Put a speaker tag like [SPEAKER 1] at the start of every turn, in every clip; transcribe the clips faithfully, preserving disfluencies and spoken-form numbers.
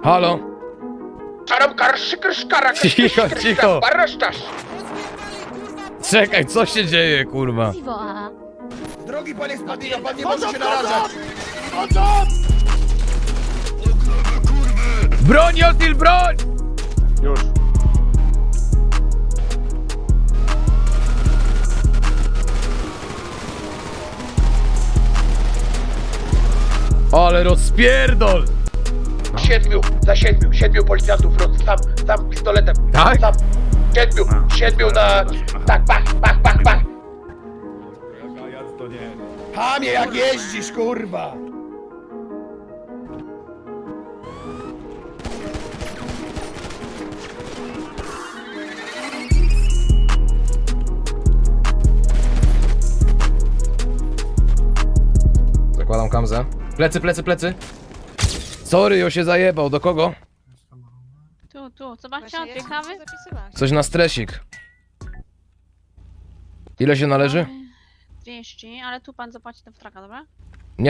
[SPEAKER 1] Halo? Cicho, cicho. Czekaj, co się dzieje, kurwa?
[SPEAKER 2] Drogi panie Spadino, pan nie może się narażać!
[SPEAKER 1] Broń, Jotil, broń!
[SPEAKER 3] Już.
[SPEAKER 1] Ale rozpierdol!
[SPEAKER 2] Siedmiu, za siedmiu, siedmiu policjantów, roz, sam, sam pistoletem.
[SPEAKER 1] Tak?
[SPEAKER 2] Sam, siedmiu, siedmiu na... Tak, pach, pach, pach, pach.
[SPEAKER 3] To nie.
[SPEAKER 2] Hamie, jak jeździsz, kurwa!
[SPEAKER 1] Zakładam kamzę. Plecy, plecy, plecy. Sorry, jo się zajebał. Do kogo?
[SPEAKER 4] Tu, tu, zobaczcie, odpiekamy.
[SPEAKER 1] Coś na stresik. Ile się należy?
[SPEAKER 4] trzydzieści, ale tu pan zapłaci do wtraka, dobra?
[SPEAKER 1] Nie.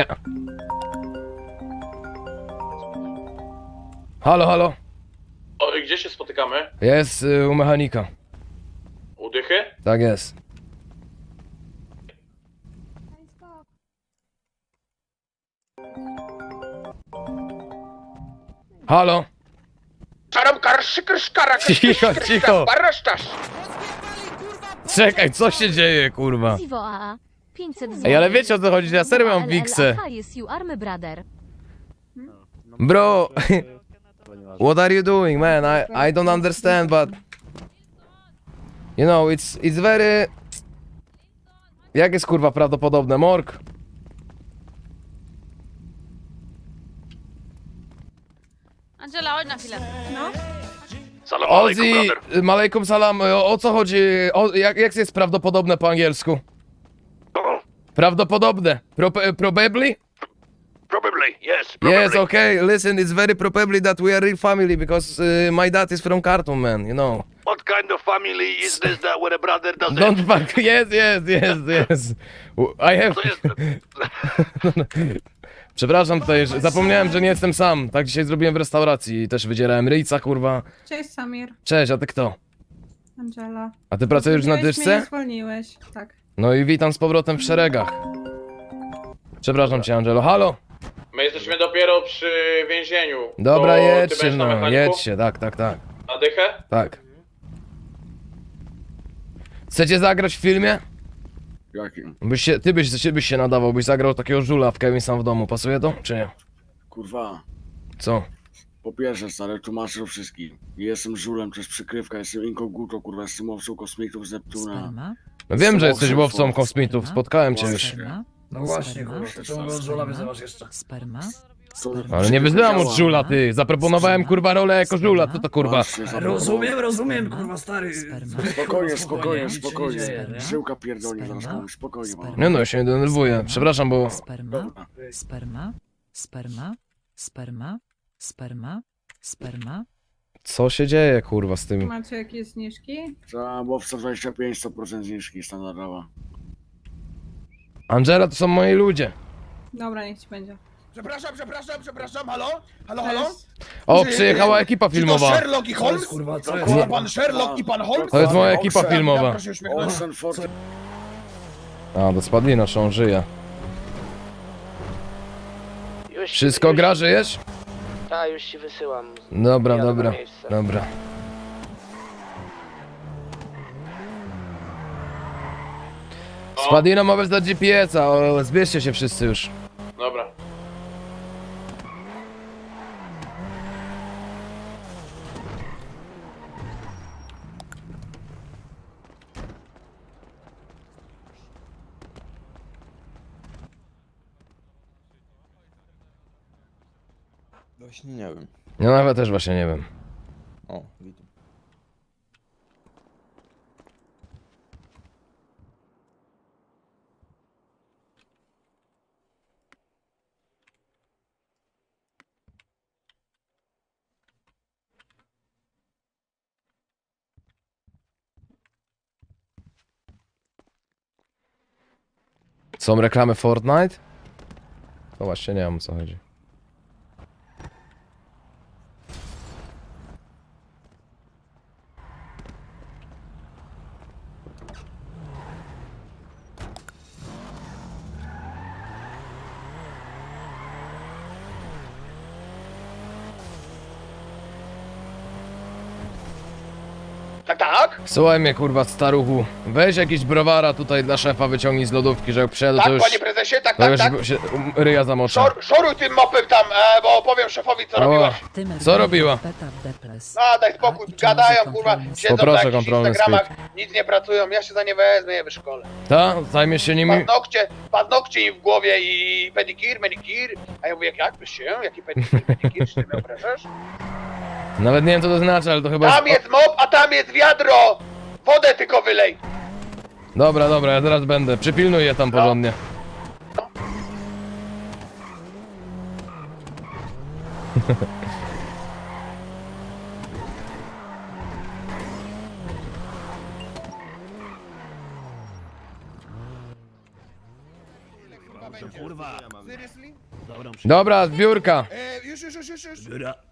[SPEAKER 1] Halo, halo.
[SPEAKER 5] O, i gdzie się spotykamy?
[SPEAKER 1] Jest y, u mechanika.
[SPEAKER 5] U Dychy?
[SPEAKER 1] Tak jest. Halo. Cicho, cicho. Czekaj, co się dzieje, kurwa?
[SPEAKER 6] Zivo A A. pięćset złotych.
[SPEAKER 1] Ej, ale wiecie o co chodzi, ja serio mam wiksę.
[SPEAKER 6] Jest you army brother.
[SPEAKER 1] Bro, what are you doing, man? I, I don't understand, but... You know, it's, it's very... Jak jest, kurwa, prawdopodobne? Morg?
[SPEAKER 4] Angela, chodź na chwilę. No?
[SPEAKER 5] Salam alaikum,
[SPEAKER 1] Ozzy,
[SPEAKER 5] brother.
[SPEAKER 1] malejkum salam, o, o co chodzi? O, jak, jak jest prawdopodobne po angielsku?
[SPEAKER 5] O,
[SPEAKER 1] Prawdopodobne. Pro, probably?
[SPEAKER 5] probably, yes, probably.
[SPEAKER 1] Yes, okay, listen, it's very probably that we are real family because uh, my dad is from Khartoum, man, you know.
[SPEAKER 5] What kind of family is this that with a brother does it?
[SPEAKER 1] Don't fuck, yes, yes, yes, yes. I have...
[SPEAKER 5] To jest...
[SPEAKER 1] Przepraszam tutaj, że zapomniałem, że nie jestem sam. Tak dzisiaj zrobiłem w restauracji i też wydzierałem ryjca, kurwa.
[SPEAKER 7] Cześć Samir,
[SPEAKER 1] Cześć, a ty kto?
[SPEAKER 7] Angela.
[SPEAKER 1] A ty pracujesz na
[SPEAKER 7] Zwolniłeś mnie,
[SPEAKER 1] dyszce?
[SPEAKER 7] nie zwolniłeś, tak.
[SPEAKER 1] No i witam z powrotem w szeregach. Przepraszam cię, Angelo. Halo?
[SPEAKER 5] My jesteśmy dopiero przy więzieniu.
[SPEAKER 1] Dobra,
[SPEAKER 5] To ty
[SPEAKER 1] jedźcie,
[SPEAKER 5] będziesz na
[SPEAKER 1] no,
[SPEAKER 5] mechaniku?
[SPEAKER 1] jedźcie, tak, tak, tak.
[SPEAKER 5] Na Dychę?
[SPEAKER 1] Tak. Chcecie zagrać w filmie?
[SPEAKER 8] Jakim?
[SPEAKER 1] Byś się, ty byś, ty byś się nadawał, byś zagrał takiego żula w Kevin sam w domu. Pasuje to, czy nie?
[SPEAKER 8] Kurwa.
[SPEAKER 1] Co?
[SPEAKER 8] Po pierwsze, stary, tłumaczę wszystkim. Jestem żulem, to jest przykrywka, jestem inkognito, kurwa, jestem łowcą kosmitów z Neptuna.
[SPEAKER 9] Sperma,
[SPEAKER 1] No wiem, że jesteś
[SPEAKER 8] Sperma.
[SPEAKER 1] łowcą kosmitów, spotkałem cię już.
[SPEAKER 9] sperma,
[SPEAKER 2] No właśnie,
[SPEAKER 9] sperma,
[SPEAKER 2] kurwa, to czemu go z żula wyzywasz jeszcze?
[SPEAKER 9] sperma,
[SPEAKER 8] To
[SPEAKER 1] Ale nie wyzywam od żula, ty. Zaproponowałem, kurwa, rolę jako żula, co to, kurwa?
[SPEAKER 8] Właśnie, za-
[SPEAKER 2] Rozumiem, rozumiem, kurwa, stary.
[SPEAKER 9] Sperma.
[SPEAKER 8] Spokojnie, spokojnie,
[SPEAKER 2] nic się nie
[SPEAKER 8] spokojnie.
[SPEAKER 2] dzieje, nie?
[SPEAKER 8] Żyłka pierdolnie zaraz
[SPEAKER 9] Sperma.
[SPEAKER 8] komuś, spokojnie, mam.
[SPEAKER 1] Nie no, ja się nie denerwuję. Przepraszam, bo...
[SPEAKER 9] sperma, sperma, sperma, sperma, sperma, sperma,
[SPEAKER 1] Co się dzieje, kurwa, z tym?
[SPEAKER 7] Macie jakieś zniżki?
[SPEAKER 8] Za łowca dwadzieścia pięć, sto procent zniżki standardowa.
[SPEAKER 1] Angela to są moi ludzie.
[SPEAKER 7] Dobra, niech ci będzie.
[SPEAKER 2] Przepraszam, przepraszam, przepraszam, halo? Halo, halo?
[SPEAKER 7] Cześć.
[SPEAKER 1] O,
[SPEAKER 2] Czy-
[SPEAKER 1] przyjechała ekipa
[SPEAKER 2] Czy to
[SPEAKER 1] filmowa.
[SPEAKER 2] Sherlock i Holmes?
[SPEAKER 3] Kurwa, co
[SPEAKER 2] Kurwa,
[SPEAKER 3] jest?
[SPEAKER 2] pan Sherlock i pan Holmes?
[SPEAKER 1] To jest moja ekipa
[SPEAKER 8] Oxen,
[SPEAKER 1] filmowa.
[SPEAKER 2] Proszę się uśmiechnąć.
[SPEAKER 8] Olsen Ford.
[SPEAKER 1] A, do Spadlina, czy on żyje. Wszystko gra, żyjesz?
[SPEAKER 10] Tak, już ci wysyłam.
[SPEAKER 1] Dobra,
[SPEAKER 10] Jadę na
[SPEAKER 1] dobra,
[SPEAKER 10] miejsce.
[SPEAKER 1] dobra. Spadlina ma wezwać G P S-a, o, zbierzcie się wszyscy już.
[SPEAKER 5] Dobra.
[SPEAKER 11] Właśnie nie wiem.
[SPEAKER 1] Ja nawet też właśnie nie wiem.
[SPEAKER 11] O, widzę.
[SPEAKER 1] Są reklamy Fortnite? To właśnie nie wiem, o co chodzi.
[SPEAKER 2] Tak, tak?
[SPEAKER 1] Słuchaj mnie, kurwa, staruchu. Weź jakiś browara tutaj dla szefa, wyciągnij z lodówki, że jak przyjadę, to
[SPEAKER 2] Tak,
[SPEAKER 1] już...
[SPEAKER 2] panie prezesie, tak,
[SPEAKER 1] To
[SPEAKER 2] tak,
[SPEAKER 1] już
[SPEAKER 2] tak.
[SPEAKER 1] się um, ryja zamoczę.
[SPEAKER 2] Szor, szoruj tym mopem tam, e, bo opowiem szefowi, co
[SPEAKER 1] O.
[SPEAKER 2] robiłaś.
[SPEAKER 9] Tymer
[SPEAKER 1] Co robiła?
[SPEAKER 9] Beta w Deples.
[SPEAKER 2] A, daj spokój,
[SPEAKER 9] A, i czy
[SPEAKER 2] gadają,
[SPEAKER 9] muzy
[SPEAKER 2] kurwa,
[SPEAKER 9] kontrolny
[SPEAKER 2] siedzą
[SPEAKER 1] Poproszę
[SPEAKER 2] na jakichś
[SPEAKER 1] kontrolny
[SPEAKER 2] Instagramach, nic nie pracują, ja się za nie wezmę, je wyszkolę.
[SPEAKER 1] Ta? Zajmiesz się nimi?
[SPEAKER 2] Paznokcie, paznokcie im w głowie i pedikir, manikir. A ja mówię, jak, jak, się? Jaki pedikir, manikir, czy ty mnie obrażasz?
[SPEAKER 1] Nawet nie wiem, co to znaczy, ale to chyba
[SPEAKER 2] Tam
[SPEAKER 1] jest...
[SPEAKER 2] jest mop, a tam jest wiadro! Wodę tylko wylej!
[SPEAKER 1] Dobra, dobra, ja zaraz będę. Przypilnuj je tam porządnie.
[SPEAKER 3] Kurwa.
[SPEAKER 1] Dobra, zbiórka.
[SPEAKER 3] E, już, już, już, już, już.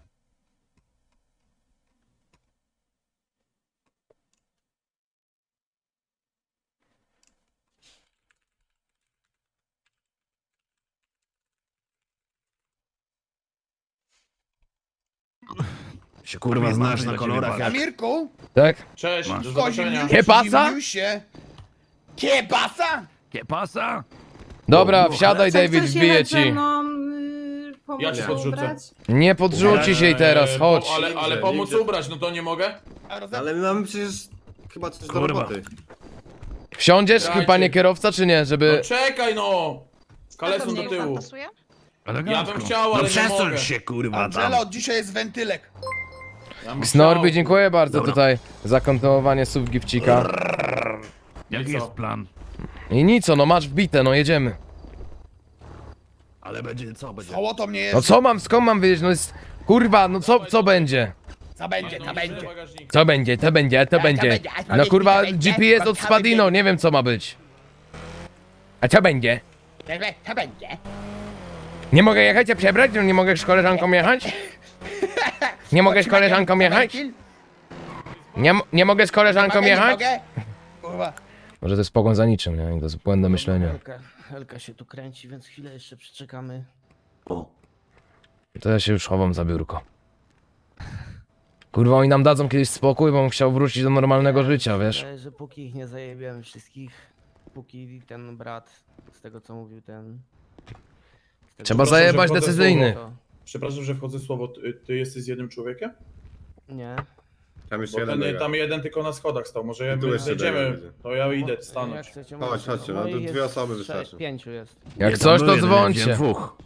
[SPEAKER 11] Się kurwa znasz na kolorach jak...
[SPEAKER 3] Amirku,
[SPEAKER 1] Tak?
[SPEAKER 5] Cześć, do
[SPEAKER 3] kozi
[SPEAKER 5] zobaczenia.
[SPEAKER 3] miuś,
[SPEAKER 1] Kiepasa?
[SPEAKER 3] miusie. Kiepasa?
[SPEAKER 11] Kiepasa?
[SPEAKER 1] Dobra, wsiadaj,
[SPEAKER 7] Co,
[SPEAKER 1] David,
[SPEAKER 7] chcesz
[SPEAKER 1] wbiję
[SPEAKER 7] jechać ze
[SPEAKER 1] ci.
[SPEAKER 7] mną, yy, pomóc
[SPEAKER 5] Ja cię
[SPEAKER 7] się
[SPEAKER 5] podrzucę.
[SPEAKER 7] ubrać?
[SPEAKER 1] Nie podrzuci się jej teraz,
[SPEAKER 5] Eee,
[SPEAKER 1] chodź.
[SPEAKER 5] bo- Ale, ale pomóc ubrać, no to nie mogę?
[SPEAKER 3] A roze...
[SPEAKER 11] Ale my mamy przecież chyba coś do roboty.
[SPEAKER 1] Wsiądziesz,
[SPEAKER 5] Dajcie.
[SPEAKER 1] panie kierowca, czy nie,
[SPEAKER 5] No
[SPEAKER 1] żeby...
[SPEAKER 5] czekaj no! Kaleson do tyłu.
[SPEAKER 4] Pasuje?
[SPEAKER 5] Ja bym chciał, ale nie mogę.
[SPEAKER 11] kurwa
[SPEAKER 3] Angela, od dzisiaj jest wentylek.
[SPEAKER 5] Ja bym
[SPEAKER 1] Snorby,
[SPEAKER 5] chciał.
[SPEAKER 1] dziękuję bardzo tutaj za kontynuowanie sub gifcika.
[SPEAKER 5] Jaki jest
[SPEAKER 11] plan?
[SPEAKER 1] I nic, no masz wbite, no jedziemy.
[SPEAKER 11] Ale będzie co? Będzie...
[SPEAKER 3] Koło to mnie jest.
[SPEAKER 1] No co mam, skąd mam wiedzieć, no jest... Kurwa, no co, co będzie?
[SPEAKER 3] Co będzie,
[SPEAKER 5] No,
[SPEAKER 3] co
[SPEAKER 5] no,
[SPEAKER 3] będzie.
[SPEAKER 5] bagażnik.
[SPEAKER 1] Co będzie, to będzie, to będzie.
[SPEAKER 3] będzie, a
[SPEAKER 1] No
[SPEAKER 3] powiedz
[SPEAKER 1] kurwa,
[SPEAKER 3] mi, co będzie,
[SPEAKER 1] G P S
[SPEAKER 3] bo
[SPEAKER 1] od
[SPEAKER 3] co
[SPEAKER 1] Spadino,
[SPEAKER 3] będzie?
[SPEAKER 1] nie wiem co ma być. A co będzie?
[SPEAKER 3] Co będzie?
[SPEAKER 1] Nie mogę jechać, a przebrać? No nie mogę z koleżanką jechać? Nie mogę z koleżanką jechać? Nie, m- nie mogę z koleżanką
[SPEAKER 3] Mogę, nie
[SPEAKER 1] jechać?
[SPEAKER 3] mogę? Kurwa.
[SPEAKER 1] Może to jest pogoń za niczym, nie? To jest błędne myślenie.
[SPEAKER 10] Helka, Helka się tu kręci, więc chwilę jeszcze przeczekamy.
[SPEAKER 1] To ja się już chowam za biurko. Kurwa, oni nam dadzą kiedyś spokój, bo bym chciał wrócić do normalnego życia, wiesz?
[SPEAKER 10] Ale że póki ich nie zajebiemy wszystkich, póki ten brat, z tego co mówił ten... z tego,
[SPEAKER 1] Trzeba
[SPEAKER 10] co-
[SPEAKER 1] zajebać
[SPEAKER 5] że wchodzę
[SPEAKER 1] decyzyjnych.
[SPEAKER 10] to-
[SPEAKER 5] Przepraszam, że wchodzę w słowo. Ty, ty jesteś z jednym człowiekiem?
[SPEAKER 10] Nie.
[SPEAKER 11] Tam
[SPEAKER 5] Bo ten, tam jeden tylko na schodach stał. Może jak
[SPEAKER 11] Tu jeszcze
[SPEAKER 5] zejdziemy,
[SPEAKER 11] będzie.
[SPEAKER 5] to ja idę
[SPEAKER 10] Jak
[SPEAKER 5] stanąć.
[SPEAKER 10] chcecie,
[SPEAKER 11] Chodź,
[SPEAKER 10] możecie.
[SPEAKER 11] chodźcie, no to
[SPEAKER 10] ich
[SPEAKER 11] dwie
[SPEAKER 10] jest
[SPEAKER 11] osoby
[SPEAKER 10] sześć,
[SPEAKER 11] wystarczy.
[SPEAKER 10] Pięciu jest.
[SPEAKER 1] Jak coś, to dzwońcie.
[SPEAKER 11] dwóch.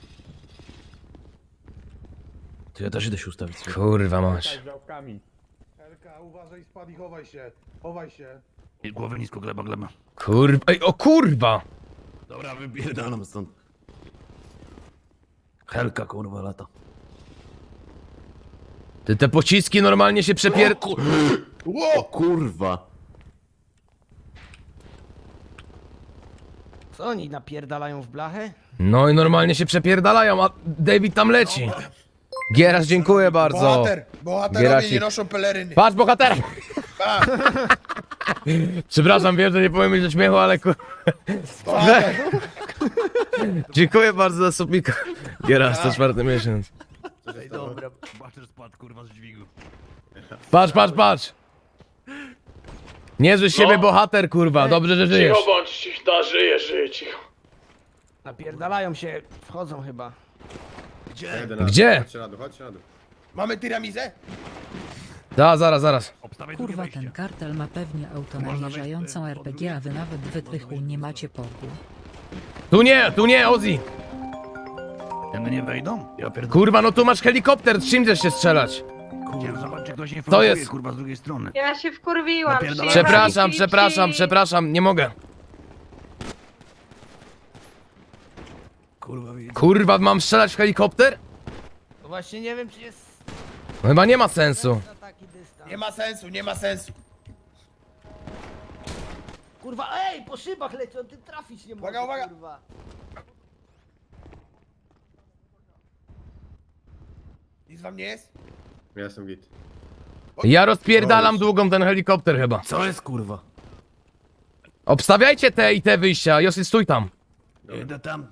[SPEAKER 11] To ja też idę się ustawić.
[SPEAKER 1] Kurwa masz.
[SPEAKER 3] Helka, uważaj, spadł i chowaj się. Chowaj się.
[SPEAKER 11] I głowę nisko, gleba, gleba.
[SPEAKER 1] Kurwa, ej, o kurwa!
[SPEAKER 11] Dobra, wypierdalam stąd. Helka, kurwa, lata.
[SPEAKER 1] Ty te pociski normalnie się przepier...
[SPEAKER 11] O kurwa.
[SPEAKER 10] Co oni napierdalają w blachę?
[SPEAKER 1] No i normalnie się przepierdalają, a David tam leci. Gierasz, dziękuję bardzo.
[SPEAKER 3] Bohater, bohaterowie
[SPEAKER 1] Gieracik.
[SPEAKER 3] nie noszą peleryny.
[SPEAKER 1] Patrz, bohatera!
[SPEAKER 3] Tak,
[SPEAKER 1] Przepraszam, wiem, że nie powiem mieć do śmiechu, ale kur...
[SPEAKER 3] bohater.
[SPEAKER 1] Dziękuję bardzo za subika. Gierasz, to czwarty miesiąc.
[SPEAKER 11] Ej, dobra. Bater spadł, kurwa, z dźwigu.
[SPEAKER 1] Patrz, patrz, patrz! Niezły z siebie
[SPEAKER 5] No.
[SPEAKER 1] bohater, kurwa, dobrze, że żyjesz.
[SPEAKER 5] Cicho bądź, cicho, da, żyję, żyję, cicho.
[SPEAKER 10] Napierdalają się, wchodzą chyba.
[SPEAKER 11] Gdzie?
[SPEAKER 1] Gdzie?
[SPEAKER 11] Chodźcie na dół, chodźcie na dół.
[SPEAKER 3] Mamy tiramizę?
[SPEAKER 1] Da, zaraz, zaraz.
[SPEAKER 9] Kurwa, ten kartel ma pewnie auto namierzającą R P G, a wy nawet wytrychu nie macie poku.
[SPEAKER 1] Tu nie, tu nie, Ozzy!
[SPEAKER 11] Ten nie wejdą? Ja pierdolę.
[SPEAKER 1] Kurwa, no tu masz helikopter, z czym chcesz się strzelać?
[SPEAKER 11] Kurwa, zobacz, czy ktoś nie
[SPEAKER 1] To jest-
[SPEAKER 11] kurwa, z drugiej strony.
[SPEAKER 7] Ja się wkurwiłam.
[SPEAKER 11] Napierdalaj.
[SPEAKER 1] Przepraszam, przepraszam, przepraszam, nie mogę.
[SPEAKER 11] Kurwa, widzę.
[SPEAKER 1] Kurwa, mam strzelać w helikopter?
[SPEAKER 10] No właśnie nie wiem czy jest
[SPEAKER 1] No chyba nie ma sensu.
[SPEAKER 10] na taki dystans.
[SPEAKER 3] Nie ma sensu, nie ma sensu.
[SPEAKER 10] Kurwa, ej, po szybach leci, on ty trafić nie może,
[SPEAKER 3] Uwaga, uwaga.
[SPEAKER 10] kurwa.
[SPEAKER 3] Nic wam nie jest?
[SPEAKER 11] Ja jestem git.
[SPEAKER 1] Ja rozpierdalam długą ten helikopter chyba.
[SPEAKER 11] Co jest, kurwa?
[SPEAKER 1] Obstawiajcie te i te wyjścia, Josy, stój tam.
[SPEAKER 11] Idę tam.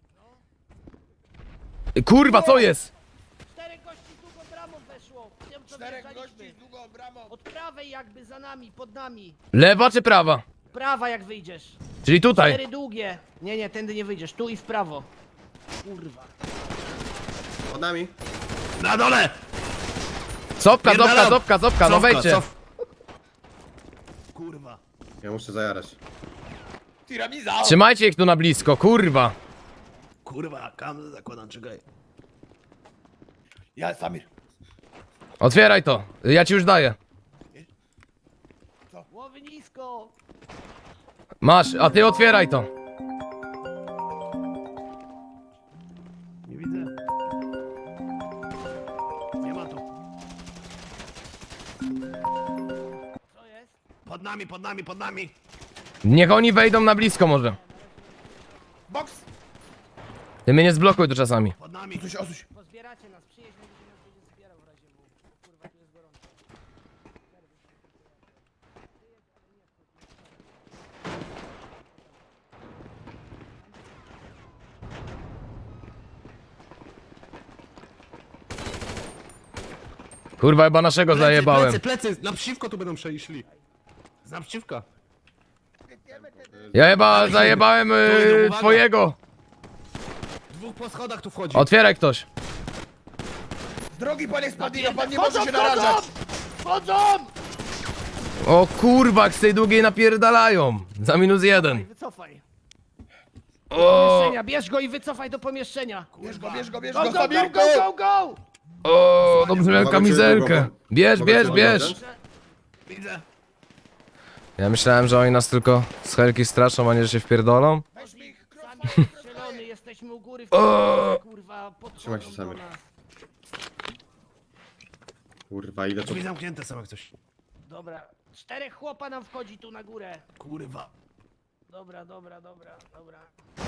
[SPEAKER 1] Kurwa, co jest?
[SPEAKER 10] Cztery kości tu pod ramą weszło. Nie wiem, co wjeżdżaliśmy. Od prawej jakby za nami, pod nami.
[SPEAKER 1] Lewa czy prawa?
[SPEAKER 10] Prawa jak wyjdziesz.
[SPEAKER 1] Czyli tutaj.
[SPEAKER 10] Cztery długie. Nie, nie, tędy nie wyjdziesz. Tu i w prawo. Kurwa.
[SPEAKER 11] Pod nami. Na dole!
[SPEAKER 1] Copka, copka,
[SPEAKER 11] Pierdalam.
[SPEAKER 1] copka, copka, no
[SPEAKER 11] Cofka,
[SPEAKER 1] wejdźcie.
[SPEAKER 11] cof. Kurwa. Ja muszę zajarać.
[SPEAKER 1] Trzymajcie ich tu na blisko, kurwa.
[SPEAKER 11] Kurwa, kam zakładam, czekaj.
[SPEAKER 3] Ja, Samir.
[SPEAKER 1] Otwieraj to, ja ci już daję.
[SPEAKER 10] Głowy nisko.
[SPEAKER 1] Masz, a ty otwieraj to.
[SPEAKER 11] Nie widzę. Nie ma tu.
[SPEAKER 10] Co jest?
[SPEAKER 11] Pod nami, pod nami, pod nami.
[SPEAKER 1] Niech oni wejdą na blisko może.
[SPEAKER 3] Box!
[SPEAKER 1] Ty mnie nie zblokuj tu czasami.
[SPEAKER 11] Pod nami.
[SPEAKER 3] Osuś, osuś.
[SPEAKER 10] Pozbieracie nas. Przyjedź, będzie nas będzie zbierał w razie W. Kurwa, tu jest gorąco.
[SPEAKER 1] Kurwa, chyba naszego zajebałem.
[SPEAKER 11] Plecy, plecy, naprzeciwko tu będą przejśli. Z naprzeciwka.
[SPEAKER 1] Ja chyba zajebałem yy,
[SPEAKER 11] uwaga.
[SPEAKER 1] twojego.
[SPEAKER 11] Dwóch po schodach tu wchodzi.
[SPEAKER 1] Otwieraj ktoś.
[SPEAKER 3] Drogi panie Spadino, pan nie może się narażać!
[SPEAKER 10] Wchodzą!
[SPEAKER 1] O kurwa, jak z tej długiej napierdalają. Za minus jeden.
[SPEAKER 10] Wycofaj. Do
[SPEAKER 1] O,
[SPEAKER 10] pomieszczenia. Bierz go i wycofaj do pomieszczenia.
[SPEAKER 3] Bierz go, bierz go, bierz
[SPEAKER 10] Go,
[SPEAKER 3] go,
[SPEAKER 10] go, go,
[SPEAKER 3] Samirku!
[SPEAKER 10] go, go, go!
[SPEAKER 1] o, dobrze miałem kamizelkę. Bierz, bierz, bierz.
[SPEAKER 11] Widzę.
[SPEAKER 1] Ja myślałem, że oni nas tylko z helki straszą, a nie, że się wpierdolą.
[SPEAKER 10] Sami strzelony, jesteśmy u góry w
[SPEAKER 1] O!
[SPEAKER 10] tym kurwa, podchodzą
[SPEAKER 11] Trzymaj się,
[SPEAKER 10] do
[SPEAKER 11] Samir.
[SPEAKER 10] nas.
[SPEAKER 11] Kurwa, ile to... Drzwi zamknięte są jak coś.
[SPEAKER 10] Dobra, czterech chłopa nam wchodzi tu na górę.
[SPEAKER 11] Kurwa.
[SPEAKER 10] Dobra, dobra, dobra, dobra.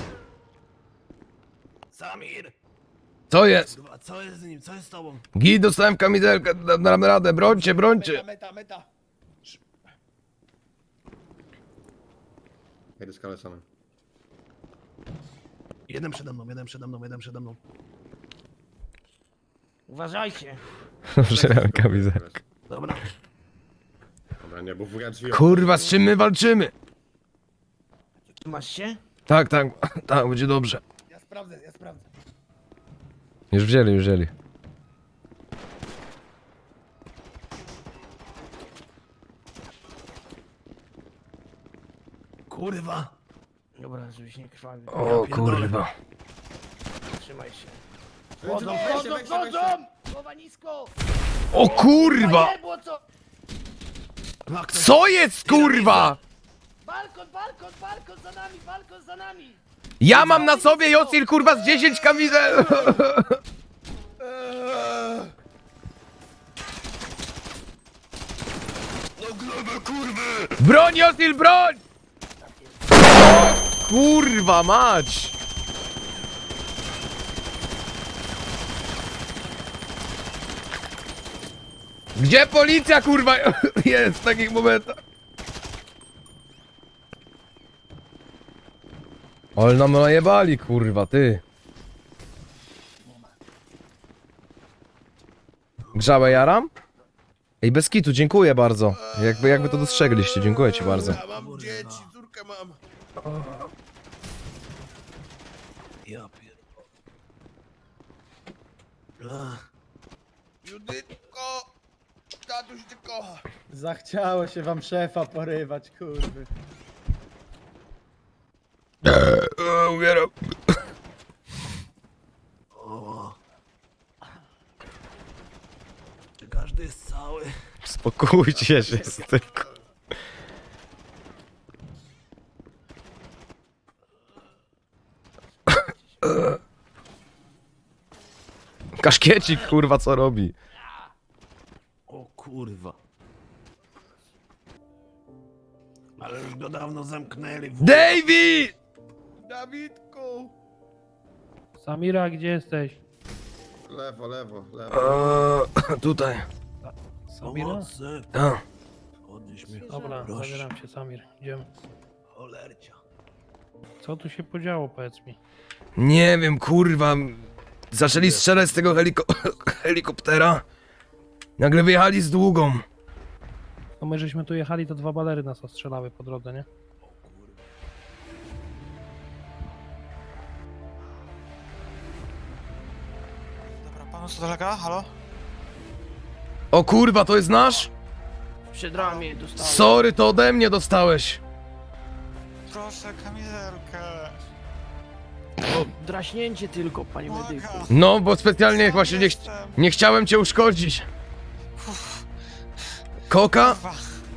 [SPEAKER 11] Samir.
[SPEAKER 1] Co jest?
[SPEAKER 11] Kurwa, co jest z nim? Co jest z tobą?
[SPEAKER 1] Git, dostałem kamizelkę, dam dam radę, brońcie, brońcie.
[SPEAKER 3] Meta, meta.
[SPEAKER 11] Jedę skalę samym. Jeden przede mną, jeden przede mną, jeden przede mną.
[SPEAKER 10] Uważajcie.
[SPEAKER 1] Dobrze miałem kamizelkę.
[SPEAKER 11] Dobra. Dobra, nie, bo wuja drzwi...
[SPEAKER 1] Kurwa, z czym my walczymy?
[SPEAKER 10] Masz się?
[SPEAKER 1] Tak, tak, tak, będzie dobrze.
[SPEAKER 3] Ja sprawdzę, ja sprawdzę.
[SPEAKER 1] Już wzięli, już wzięli.
[SPEAKER 11] Kurwa.
[SPEAKER 10] Dobra, żebyś nie krwawił.
[SPEAKER 1] O kurwa.
[SPEAKER 10] Trzymaj się. Wchodzą, wchodzą, wchodzą! Głowa nisko!
[SPEAKER 1] O kurwa!
[SPEAKER 10] Nie było co?
[SPEAKER 11] Ma ktoś...
[SPEAKER 1] Co jest kurwa?
[SPEAKER 10] Balkon, balkon, balkon za nami, balkon za nami!
[SPEAKER 1] Ja mam na sobie Jocil kurwa z dziesięć kamizel.
[SPEAKER 11] No glebę, kurwy!
[SPEAKER 1] Broń Jocil, broń! Kurwa mać! Gdzie policja kurwa jest w takich momentach? Ale nam najebali kurwa, ty. Grzałe jaram? Ej, bez kitu, dziękuję bardzo. Jakby, jakby to dostrzegliście, dziękuję ci bardzo.
[SPEAKER 3] Ja mam dzieci, córkę mam.
[SPEAKER 11] Ja pierdolę.
[SPEAKER 3] Judytko, tatuś cię kocha.
[SPEAKER 10] Zachciało się wam szefa porywać, kurwy.
[SPEAKER 1] Eee, umieram.
[SPEAKER 11] O. Czy każdy jest cały?
[SPEAKER 1] Spokójcie się z tym. Kaszkiecik kurwa co robi?
[SPEAKER 11] O kurwa. Ale już go dawno zamknęli. w-
[SPEAKER 1] David!
[SPEAKER 3] Dawidku.
[SPEAKER 10] Samira, gdzie jesteś?
[SPEAKER 11] Lewo, lewo, lewo.
[SPEAKER 1] Eee, tutaj.
[SPEAKER 11] Pomocy.
[SPEAKER 1] A.
[SPEAKER 11] Podnieś mnie.
[SPEAKER 10] Dobra,
[SPEAKER 11] Proszę.
[SPEAKER 10] zabieram cię, Samir. Idziemy.
[SPEAKER 11] Cholercia.
[SPEAKER 10] Co tu się podziało, powiedz mi?
[SPEAKER 1] Nie wiem, kurwa. Zaczęli strzelać z tego heliko helikoptera. Nagle wyjechali z długą.
[SPEAKER 3] No my żeśmy tu jechali, to dwa balery nas ostrzelały po drodze, nie?
[SPEAKER 12] Dobra, panu co dolega? Halo?
[SPEAKER 1] O kurwa, to jest nasz?
[SPEAKER 10] Przed ramię dostałem.
[SPEAKER 1] Sorry, to ode mnie dostałeś.
[SPEAKER 12] Proszę, kamizelkę.
[SPEAKER 10] O, draśnięcie tylko, panie medyku.
[SPEAKER 12] Błagam.
[SPEAKER 1] No, bo specjalnie właśnie nie, ch-
[SPEAKER 12] Jestem.
[SPEAKER 1] nie chciałem cię uszkodzić.
[SPEAKER 12] Uff,
[SPEAKER 1] Koka?
[SPEAKER 12] kurwa.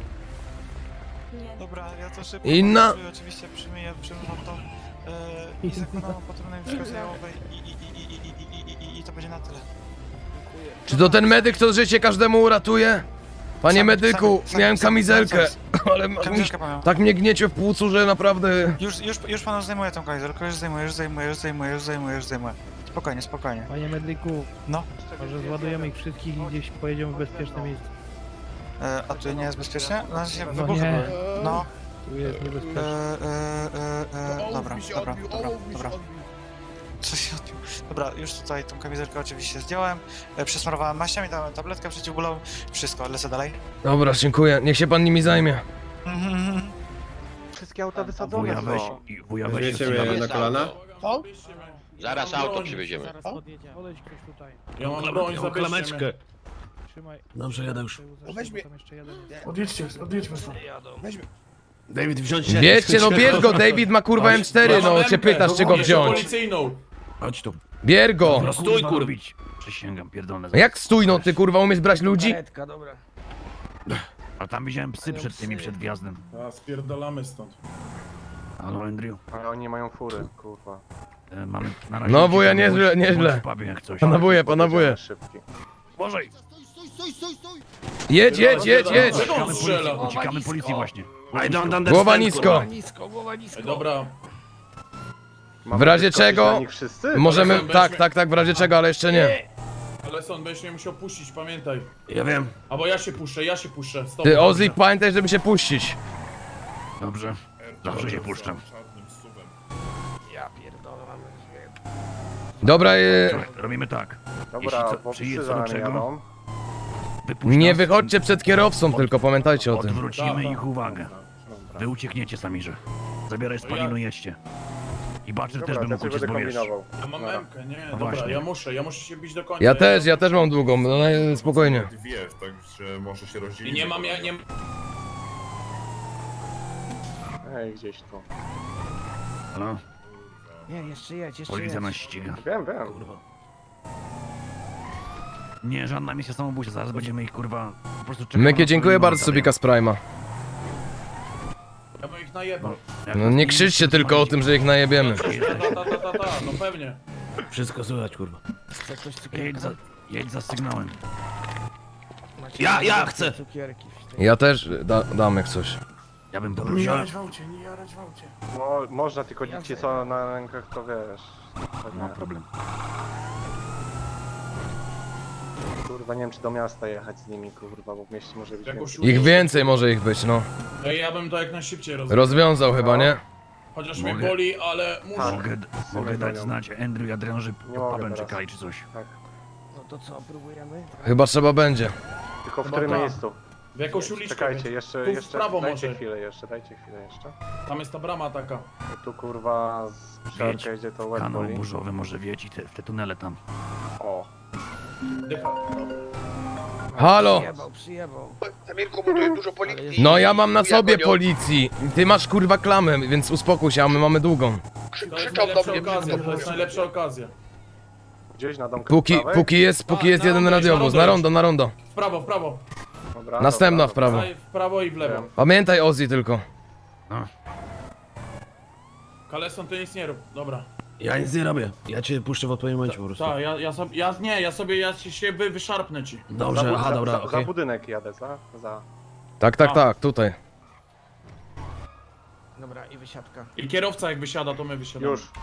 [SPEAKER 12] Dobra, ja to szybko
[SPEAKER 1] Inna?
[SPEAKER 12] pokazuję, oczywiście przyjmuję, przyjmuję to yy, i zakładam opatrunek wskazującej i, i, i, i, i, i, i, i, i to będzie na tyle.
[SPEAKER 1] Czy to ten medyk, co życie każdemu uratuje? Panie
[SPEAKER 12] Sam-
[SPEAKER 1] medyku,
[SPEAKER 12] sam- sam-
[SPEAKER 1] miałem
[SPEAKER 12] sam-
[SPEAKER 1] kamizelkę,
[SPEAKER 12] sam-
[SPEAKER 1] ale ma- mi,
[SPEAKER 12] Kamizelkę panią.
[SPEAKER 1] tak mnie gniecie w płucu, że naprawdę...
[SPEAKER 12] Już, już, już panu zdejmuję tą kamizelkę, już zdejmuję, już zdejmuję, już zdejmuję, już zdejmuję, już zdejmuję. Spokojnie, spokojnie.
[SPEAKER 3] Panie medyku,
[SPEAKER 12] No,
[SPEAKER 3] może zładujemy ich wszystkich i gdzieś pojedziemy w bezpieczne miejsce.
[SPEAKER 12] e, a tu nie jest bezpiecznie? Na razie
[SPEAKER 3] No
[SPEAKER 12] wybuchy
[SPEAKER 3] nie.
[SPEAKER 12] były. No,
[SPEAKER 3] Tu jest
[SPEAKER 12] e,
[SPEAKER 3] niebezpiecznie.
[SPEAKER 12] e, e, e, dobra,
[SPEAKER 3] mi się
[SPEAKER 12] dobra,
[SPEAKER 3] odbił,
[SPEAKER 12] dobra,
[SPEAKER 3] ołów mi się
[SPEAKER 12] dobra.
[SPEAKER 3] odbił.
[SPEAKER 12] Co się odbił? Dobra, już tutaj tą kamizelkę oczywiście zdjąłem, e, przesmarowałem maściami, dałem tabletkę przeciwbólową, wszystko, lecę dalej.
[SPEAKER 1] Dobra, dziękuję, niech się pan nimi zajmie.
[SPEAKER 12] Mhm.
[SPEAKER 10] Wszystkie auta wysadzone są.
[SPEAKER 11] Wuja weź się na kolana?
[SPEAKER 3] Co?
[SPEAKER 2] Zaraz auto przywieziemy.
[SPEAKER 10] Zaraz podjedziemy.
[SPEAKER 3] Podejdź ktoś tutaj.
[SPEAKER 5] Ja mam broń, zabierzcie
[SPEAKER 11] klameczkę.
[SPEAKER 5] mnie.
[SPEAKER 3] Trzymaj.
[SPEAKER 11] Dobrze, jadę już.
[SPEAKER 3] Weźmie. Tam jeszcze jeden jest.
[SPEAKER 5] Odjedźcie, odjedźmy stąd.
[SPEAKER 11] David, wziąć się.
[SPEAKER 1] Wiecie, no bierz go, David ma kurwa M cztery,
[SPEAKER 5] Ja mam
[SPEAKER 1] no się
[SPEAKER 5] M K,
[SPEAKER 1] pytasz, czy go
[SPEAKER 5] jeszcze
[SPEAKER 1] wziąć.
[SPEAKER 5] policyjną.
[SPEAKER 11] Chodź tu.
[SPEAKER 1] Bier go!
[SPEAKER 11] No stój, kurwić. Przysięgam, pierdolę.
[SPEAKER 1] Jak stój, no ty kurwa umiesz brać ludzi?
[SPEAKER 10] Karetka, dobra.
[SPEAKER 11] A tam widziałem psy przed tymi, przed wjazdem.
[SPEAKER 5] A, spierdalamy stąd.
[SPEAKER 11] Halo, Andrew.
[SPEAKER 10] Ale oni mają fury, kurwa.
[SPEAKER 11] E, mamy na razie...
[SPEAKER 1] No, wuja,
[SPEAKER 11] uciekamy,
[SPEAKER 1] nieźle,
[SPEAKER 11] bądź-
[SPEAKER 1] nieźle.
[SPEAKER 11] bądź w pubie jak coś.
[SPEAKER 1] Panowuję, panowuję.
[SPEAKER 10] Szybki.
[SPEAKER 11] Uważaj!
[SPEAKER 1] Jedź, jedź, jedź, jedź!
[SPEAKER 5] Czego on
[SPEAKER 11] Uciekamy
[SPEAKER 5] strzela?
[SPEAKER 11] policji, uciekamy policji właśnie. I don't understand,
[SPEAKER 1] Głowa nisko.
[SPEAKER 11] kurwa.
[SPEAKER 10] Nisko, głowa nisko.
[SPEAKER 5] Ej, dobra,
[SPEAKER 1] W razie czego możemy...
[SPEAKER 5] Weźmy-
[SPEAKER 1] Tak, tak, tak, w razie czego, ale jeszcze nie.
[SPEAKER 5] ale son, będziesz mnie musiał puścić, pamiętaj.
[SPEAKER 11] Ja wiem.
[SPEAKER 5] Albo ja się puszczę, ja się puszczę. Stop,
[SPEAKER 1] Ty,
[SPEAKER 5] dobrze.
[SPEAKER 1] Ozlik, pamiętaj, żeby się puścić.
[SPEAKER 11] Dobrze. Zawsze się puszczam.
[SPEAKER 10] Ja pierdolę, mamy drzwi.
[SPEAKER 1] Dobra, e,
[SPEAKER 11] Słuchaj, robimy tak.
[SPEAKER 10] Dobra,
[SPEAKER 11] Jeśli co,
[SPEAKER 10] bo
[SPEAKER 11] przyjedzie
[SPEAKER 10] psy
[SPEAKER 11] co
[SPEAKER 10] za
[SPEAKER 11] do
[SPEAKER 10] nami
[SPEAKER 11] czego,
[SPEAKER 10] jadą.
[SPEAKER 11] wypuść
[SPEAKER 1] nie
[SPEAKER 11] nas,
[SPEAKER 1] wychodźcie przed kierowcą, tylko pamiętajcie o tym.
[SPEAKER 11] Odwrócimy
[SPEAKER 5] Tak,
[SPEAKER 11] ich
[SPEAKER 5] tak.
[SPEAKER 11] uwagę. Wy uciekniecie, Samirze. Zabieraj spalinu, jedźcie. I Butcher też by mógł uciec, bo wiesz.
[SPEAKER 5] Ja mam M-kę, nie,
[SPEAKER 11] No
[SPEAKER 5] dobra,
[SPEAKER 11] właśnie.
[SPEAKER 5] ja muszę, ja muszę się bić do końca.
[SPEAKER 1] Ja też, ja też mam długą, no no, spokojnie.
[SPEAKER 13] Dwie, także może się rozdzielić.
[SPEAKER 5] I nie mam, ja nie...
[SPEAKER 10] Ej, gdzieś tu.
[SPEAKER 11] Halo?
[SPEAKER 10] Nie, jeszcze jedź, jeszcze
[SPEAKER 11] Policja
[SPEAKER 10] jedź.
[SPEAKER 11] nas ściga.
[SPEAKER 10] Wiem, wiem.
[SPEAKER 11] Nie, żadna misja samobójcza, zaraz będziemy ich kurwa... Po prostu czekamy
[SPEAKER 1] Mykie,
[SPEAKER 11] na
[SPEAKER 1] dziękuję
[SPEAKER 11] spalinu,
[SPEAKER 1] bardzo
[SPEAKER 11] tak,
[SPEAKER 1] Subika z Prima.
[SPEAKER 5] Ja bym ich najebał.
[SPEAKER 11] jak
[SPEAKER 1] No
[SPEAKER 11] nas
[SPEAKER 1] nie krzyczcie tylko o tym, że ich najebiemy.
[SPEAKER 5] Ta, ta, ta, ta, ta, no pewnie.
[SPEAKER 11] Wszystko słychać, kurwa.
[SPEAKER 10] Chce ktoś
[SPEAKER 11] Jedź
[SPEAKER 10] cukierka?
[SPEAKER 11] za, jedź za sygnałem.
[SPEAKER 10] Macie
[SPEAKER 11] Ja-
[SPEAKER 10] na
[SPEAKER 11] ja
[SPEAKER 10] zawsze
[SPEAKER 11] chcę.
[SPEAKER 10] Cukierki w tej-
[SPEAKER 1] Ja też da, dam jak coś.
[SPEAKER 11] Ja bym
[SPEAKER 5] Nie
[SPEAKER 11] poprosił...
[SPEAKER 5] jarać w aucie, nie jarać w aucie.
[SPEAKER 10] Mo, można, tylko ci co na rękach to wiesz.
[SPEAKER 11] No problem.
[SPEAKER 10] Kurwa, nie wiem czy do miasta jechać z nimi, kurwa, bo w mieście może być
[SPEAKER 5] Jakoś
[SPEAKER 10] więcej.
[SPEAKER 1] Ich więcej może ich być, no.
[SPEAKER 5] Ej, ja bym to jak najszybciej rozwiązał.
[SPEAKER 1] Rozwiązał chyba, nie?
[SPEAKER 5] Chociaż mnie
[SPEAKER 11] Mogę.
[SPEAKER 5] boli, ale muszę.
[SPEAKER 11] Mogę, mogę dać znać Andrew i Adrian, że
[SPEAKER 10] Nie
[SPEAKER 11] pod
[SPEAKER 10] mogę
[SPEAKER 11] pubem
[SPEAKER 10] teraz.
[SPEAKER 11] czekali czy coś.
[SPEAKER 10] No to co, próbujemy?
[SPEAKER 1] Chyba trzeba będzie.
[SPEAKER 10] Tylko w
[SPEAKER 5] Chyba
[SPEAKER 10] którym
[SPEAKER 5] tak.
[SPEAKER 10] miejscu?
[SPEAKER 5] W jakąś uliczkę.
[SPEAKER 10] Czekajcie,
[SPEAKER 5] więc.
[SPEAKER 10] jeszcze,
[SPEAKER 5] Tu w
[SPEAKER 10] jeszcze,
[SPEAKER 5] prawo
[SPEAKER 10] dajcie
[SPEAKER 5] może.
[SPEAKER 10] chwilę jeszcze, dajcie chwilę jeszcze.
[SPEAKER 5] Tam jest ta brama taka.
[SPEAKER 10] Bo tu kurwa z
[SPEAKER 11] Wiedź,
[SPEAKER 10] przerkę idzie to łeb
[SPEAKER 11] Kanał
[SPEAKER 10] boli.
[SPEAKER 11] burzowy może wieć i te, w te tunele tam.
[SPEAKER 10] O,
[SPEAKER 5] Dycha.
[SPEAKER 1] Halo!
[SPEAKER 10] przyjebał, przyjebał.
[SPEAKER 2] Samirku, bo tu jest dużo policji.
[SPEAKER 1] No ja mam na
[SPEAKER 2] Chuja
[SPEAKER 1] sobie
[SPEAKER 2] gonią.
[SPEAKER 1] policji. Ty masz kurwa klamę, więc uspokój się, a my mamy długą.
[SPEAKER 5] To jest
[SPEAKER 2] Krzyczał do
[SPEAKER 5] najlepsza
[SPEAKER 2] mnie,
[SPEAKER 5] okazja,
[SPEAKER 2] krzyczał
[SPEAKER 5] to jest
[SPEAKER 2] do mnie.
[SPEAKER 5] najlepsza okazja.
[SPEAKER 10] Gdzieś na domku
[SPEAKER 1] Póki,
[SPEAKER 10] prawej?
[SPEAKER 1] póki jest, póki
[SPEAKER 5] A,
[SPEAKER 1] jest
[SPEAKER 5] na
[SPEAKER 1] jeden
[SPEAKER 5] rondo,
[SPEAKER 1] radiowóz.
[SPEAKER 5] na
[SPEAKER 1] Na
[SPEAKER 5] rondo
[SPEAKER 1] rondo, na rondo.
[SPEAKER 5] W prawo, w prawo.
[SPEAKER 10] Dobra,
[SPEAKER 1] Następna w
[SPEAKER 10] dobra,
[SPEAKER 1] prawo.
[SPEAKER 5] Daj w prawo i w lewo.
[SPEAKER 10] Wiem.
[SPEAKER 1] Pamiętaj Ozzy tylko.
[SPEAKER 11] No.
[SPEAKER 5] Kaleson, ty nic nie rób. Dobra.
[SPEAKER 11] Ja nic nie robię. Ja cię puszczę w odpowiednim momencie po prostu.
[SPEAKER 5] Tak, ja, ja sobie, ja nie, ja sobie, ja ci się wy, wyszarpnę ci.
[SPEAKER 10] Za,
[SPEAKER 11] Dobrze,
[SPEAKER 10] bud-
[SPEAKER 11] aha,
[SPEAKER 10] za,
[SPEAKER 11] dobra,
[SPEAKER 10] za,
[SPEAKER 11] okej.
[SPEAKER 10] za budynek jadę, za, za.
[SPEAKER 1] Tak, tak,
[SPEAKER 5] A.
[SPEAKER 1] tak, tutaj.
[SPEAKER 10] Dobra, i wysiadka.
[SPEAKER 5] I kierowca jak wysiada, to my wysiadamy.
[SPEAKER 10] Już.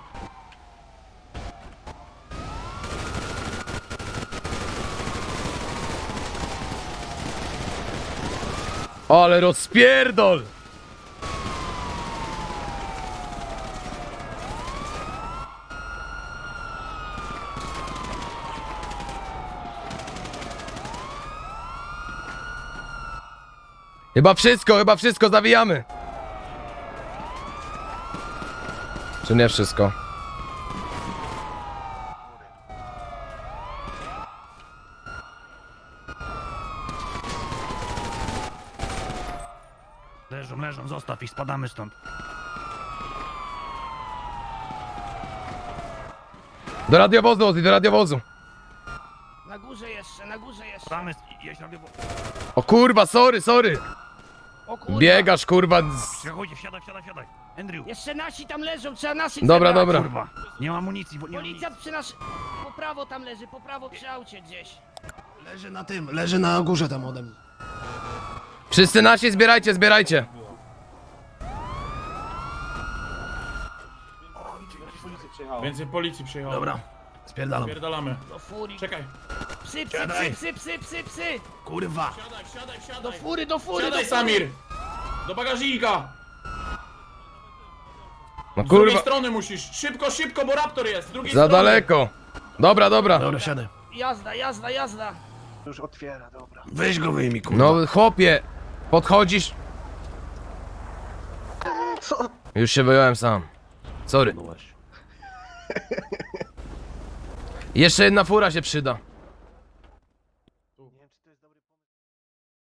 [SPEAKER 1] Ale rozpierdol! Chyba wszystko, chyba wszystko, zawijamy. Czy nie wszystko?
[SPEAKER 11] Leżą, leżą, zostaw ich, spadamy stąd.
[SPEAKER 1] Do radiowozu, Ozzy, do radiowozu.
[SPEAKER 10] Na górze jeszcze, na górze jeszcze.
[SPEAKER 11] Spadamy, jeść radiowo...
[SPEAKER 1] O kurwa, sorry, sorry.
[SPEAKER 10] O kurwa.
[SPEAKER 1] Biegasz, kurwa. z-
[SPEAKER 11] Przechodzi, wsiadaj, wsiadaj, wsiadaj. Andrew,
[SPEAKER 10] Jeszcze nasi tam leżą, trzeba naszych
[SPEAKER 1] Dobra,
[SPEAKER 10] zebrać.
[SPEAKER 1] dobra.
[SPEAKER 11] kurwa, nie ma amunicji, bo nie ma amunicji.
[SPEAKER 10] Policjant przy nasz... Po prawo tam leży, po prawo przy aucie gdzieś.
[SPEAKER 3] Leży na tym, leży na górze tam ode mnie.
[SPEAKER 1] Wszyscy nasi, zbierajcie, zbierajcie.
[SPEAKER 5] Więcej policji przyjechało.
[SPEAKER 3] Dobra, spierdalam.
[SPEAKER 5] Pierdalamy.
[SPEAKER 10] Do fury.
[SPEAKER 5] Czekaj.
[SPEAKER 10] Psy, psy,
[SPEAKER 11] Siadaj.
[SPEAKER 10] psy, psy, psy, psy, psy.
[SPEAKER 3] Kurwa.
[SPEAKER 5] Siadaj, siadaj,
[SPEAKER 10] Do
[SPEAKER 5] siadaj.
[SPEAKER 10] fury, do fury,
[SPEAKER 5] Siadaj,
[SPEAKER 10] do fury.
[SPEAKER 5] Samir. Do bagażnika.
[SPEAKER 1] No
[SPEAKER 5] Z drugiej
[SPEAKER 1] kurwa,
[SPEAKER 5] strony musisz. Szybko, szybko, bo raptor jest. Z drugiej
[SPEAKER 1] za
[SPEAKER 5] strony.
[SPEAKER 1] daleko. Dobra, dobra.
[SPEAKER 3] Dobra, siadaj.
[SPEAKER 10] Jazda, jazda, jazda.
[SPEAKER 3] Weź go wyjmij, kurwa.
[SPEAKER 1] No chłopie, podchodzisz. Już się wyjąłem sam. Sorry. Jeszcze jedna fura się przyda.